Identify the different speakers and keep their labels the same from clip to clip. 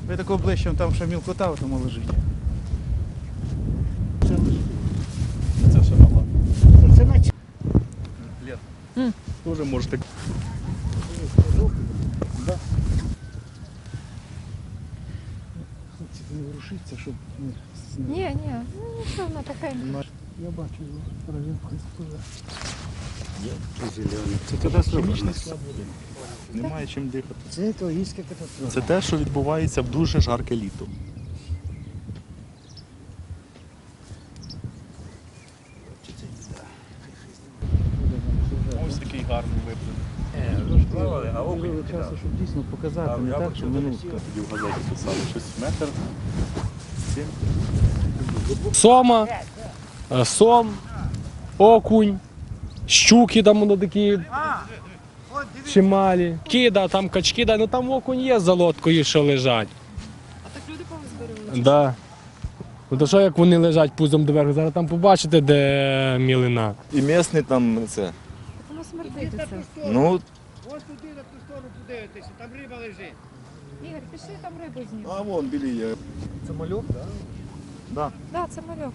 Speaker 1: Ви такого ближче, там ще мілкота в тому лежить.
Speaker 2: Це ще мала.
Speaker 3: Це наче.
Speaker 2: Лет. Тоже можете.
Speaker 1: Да. Не ворушиться, щоб не...
Speaker 4: Ні, ну нічого, вона така.
Speaker 1: Я бачу, районка спливе.
Speaker 2: Це туди хімічний склад води. Немає чим дихати.
Speaker 3: Це екологічна катастрофа.
Speaker 2: Це те, що відбувається в дуже жарке літо. Ось такий гарний виплив.
Speaker 1: Можливо часу, щоб дійсно показати, не так, що минутка.
Speaker 2: Тоді в газеті писали щось метр.
Speaker 5: Сома, сом, окунь, щуки там воно такі чималі, кида, там качки, ну там окунь є з лодкою, що лежать.
Speaker 4: А так люди повизбирали?
Speaker 5: Да. Ну то що як вони лежать пузом доверху, зараз там побачите, де мілина.
Speaker 6: І місний там це.
Speaker 4: Воно смердить оце.
Speaker 6: Ну,
Speaker 3: Ось туди на ту сторону подивитися, там риба лежить.
Speaker 4: Ігор, пішли там рибу знімемо.
Speaker 6: а вон білі є.
Speaker 1: Це мальок, так?
Speaker 4: Так, да, це мальок.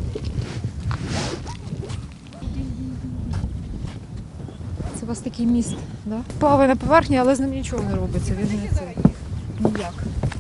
Speaker 4: Це у вас такий міст, да? Плаває на поверхні, але з ним нічого не робиться. Він не це ніяк.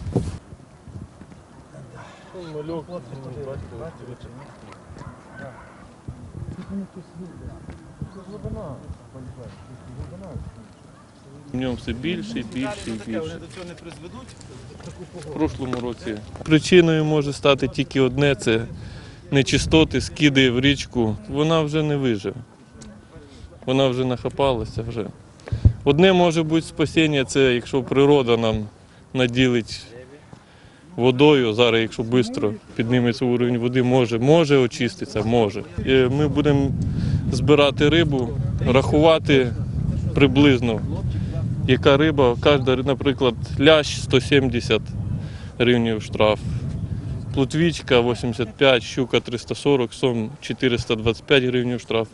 Speaker 7: В ньому все більше і більше і більше.
Speaker 1: Вони до цього не призведуть?
Speaker 7: В прошлому році причиною може стати тільки одне – це нечистоти, скиди в річку. Вона вже не виживе. Вона вже нахапалася. Вже. Одне може бути спасіння – це якщо природа нам наділить водою. Зараз, якщо швидко підніметься уровень води, може очиститися, може. І ми будемо збирати рибу, рахувати приблизно, яка риба. Кожна, наприклад, лящ 170 гривень штраф, плотвічка 85, щука 340, сом 425 гривень штраф.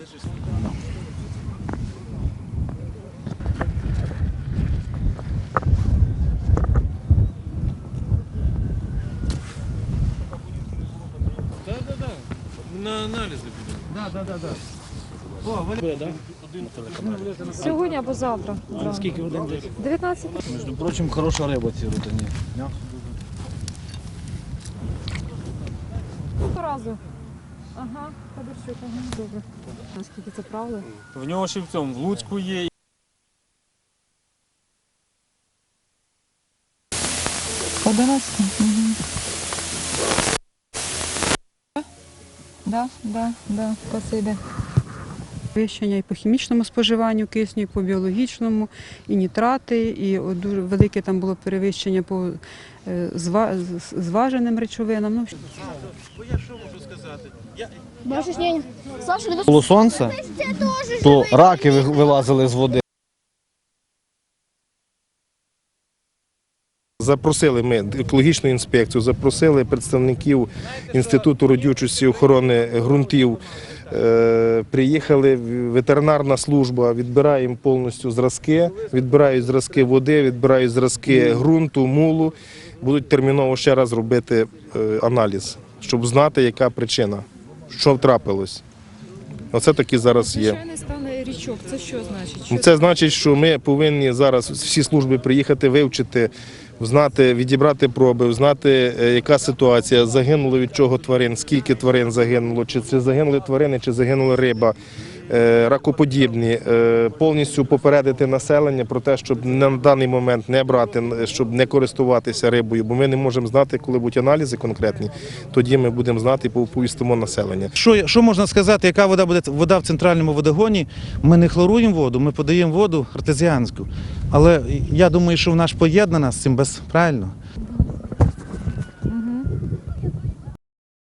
Speaker 7: Так. На аналізи підемо.
Speaker 1: Так. О, вони...
Speaker 4: Сьогодні або завтра.
Speaker 1: Скільки годин десь?
Speaker 4: 19.
Speaker 1: Між прочим, хороша риба ці рутині.
Speaker 4: По разу. Ага, Федорчук, ага, добре. Наскільки це правда?
Speaker 5: В нього ще в цьому, в Луцьку є.
Speaker 4: 11. Угу. Да, то це йде.
Speaker 8: Підвищення і по хімічному споживанню кисню, і по біологічному, і нітрати, і дуже велике там було перевищення по зваженим речовинам. Ну,
Speaker 1: Я що можу сказати?
Speaker 9: Було сонце, то раки вилазили з води.
Speaker 6: Запросили ми екологічну інспекцію, запросили представників Інституту родючості і охорони ґрунтів. Приїхали ветеринарна служба, відбираємо повністю зразки, відбирають зразки води, відбирають зразки ґрунту, мулу. Будуть терміново ще раз робити аналіз, щоб знати, яка причина, що трапилось. Оце такі зараз є.
Speaker 4: Звичайний стан річок, це що значить?
Speaker 6: Це значить, що ми повинні зараз всі служби приїхати, вивчити, знати, відібрати проби, знати, яка ситуація, загинуло від чого тварин, скільки тварин загинуло, чи це загинули тварини, чи загинула риба, ракоподібні, повністю попередити населення про те, щоб на даний момент не брати, щоб не користуватися рибою, бо ми не можемо знати, коли будуть аналізи конкретні, тоді ми будемо знати і повістимо населення.
Speaker 1: Що можна сказати, яка вода буде? Вода в центральному водогоні, ми не хлоруємо воду, ми подаємо воду артезіанську. Але я думаю, що вона ж поєднана з цим правильно.